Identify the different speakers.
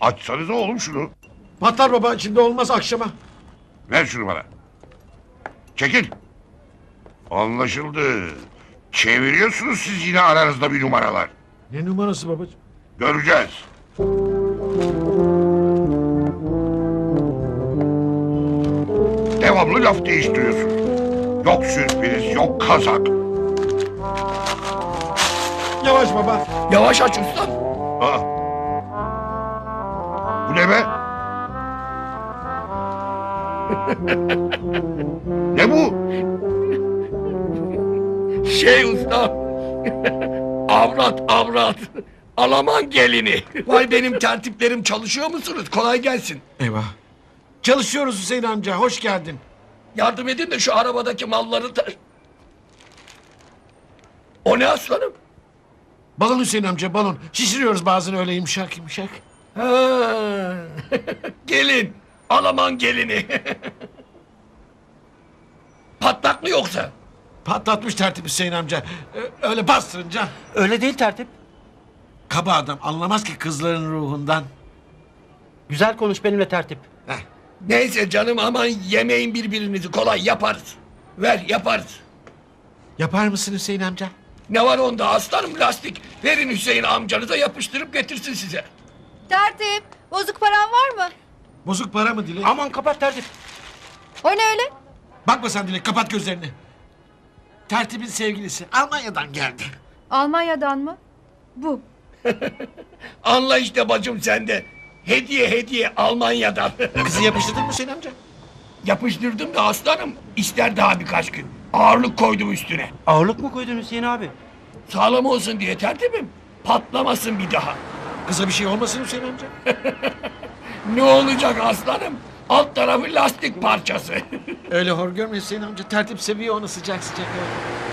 Speaker 1: Açsanıza oğlum şunu.
Speaker 2: Patlar baba, şimdi olmaz akşama.
Speaker 1: Ver şunu bana. Çekil. Anlaşıldı. Çeviriyorsunuz siz yine aranızda bir numaralar.
Speaker 2: Ne numarası babacığım?
Speaker 1: Göreceğiz. Devamlı laf değiştiriyorsun. Yok sürpriz, yok kazak.
Speaker 2: Yavaş baba.
Speaker 3: Yavaş aç ustam.
Speaker 1: Aa. Bu ne be? Ne bu?
Speaker 3: Şey ustam. avrat. Alaman gelini. Vay benim tertiplerim, çalışıyor musunuz? Kolay gelsin.
Speaker 2: Eyvah. Çalışıyoruz Hüseyin amca, hoş geldin.
Speaker 3: Yardım edin de şu arabadaki malları O ne aslanım?
Speaker 2: Balon Hüseyin amca, balon. Şişiriyoruz bazen öyle yumuşak yumuşak.
Speaker 3: Ha. Gelin. Alaman gelini. Patlak mı yoksa?
Speaker 2: Patlatmış tertip Hüseyin amca. Öyle bastırınca.
Speaker 4: Öyle değil tertip.
Speaker 2: Kaba adam, anlamaz ki kızların ruhundan.
Speaker 4: Güzel konuş benimle tertip.
Speaker 2: Heh.
Speaker 3: Neyse canım, aman yemeyin birbirinizi, kolay yaparız. Ver, yaparız.
Speaker 2: Yapar mısın Hüseyin amca?
Speaker 3: Ne var onda aslanım, lastik. Verin Hüseyin amcanıza, yapıştırıp getirsin size.
Speaker 5: Tertip, bozuk paran var mı?
Speaker 2: Bozuk para mı Dilek?
Speaker 4: Aman kapat tertip.
Speaker 5: O ne öyle?
Speaker 2: Bakma sen Dilek, kapat gözlerini. Tertibin sevgilisi Almanya'dan geldi.
Speaker 5: Almanya'dan mı? Bu.
Speaker 3: Anla işte bacım sen de. Hediye Almanya'dan.
Speaker 2: Kızı yapıştırdın mı Hüseyin amca?
Speaker 3: Yapıştırdım da aslanım. İster daha birkaç gün. Ağırlık koydum üstüne.
Speaker 4: Ağırlık mı koydun Hüseyin abi?
Speaker 3: Sağlam olsun diye tertibim. Patlamasın bir daha.
Speaker 2: Kıza bir şey olmasın Hüseyin amca?
Speaker 3: Ne olacak aslanım? Alt tarafı lastik parçası.
Speaker 2: Öyle hor görme Hüseyin amca. Tertip seviyor onu sıcak sıcak. öyle.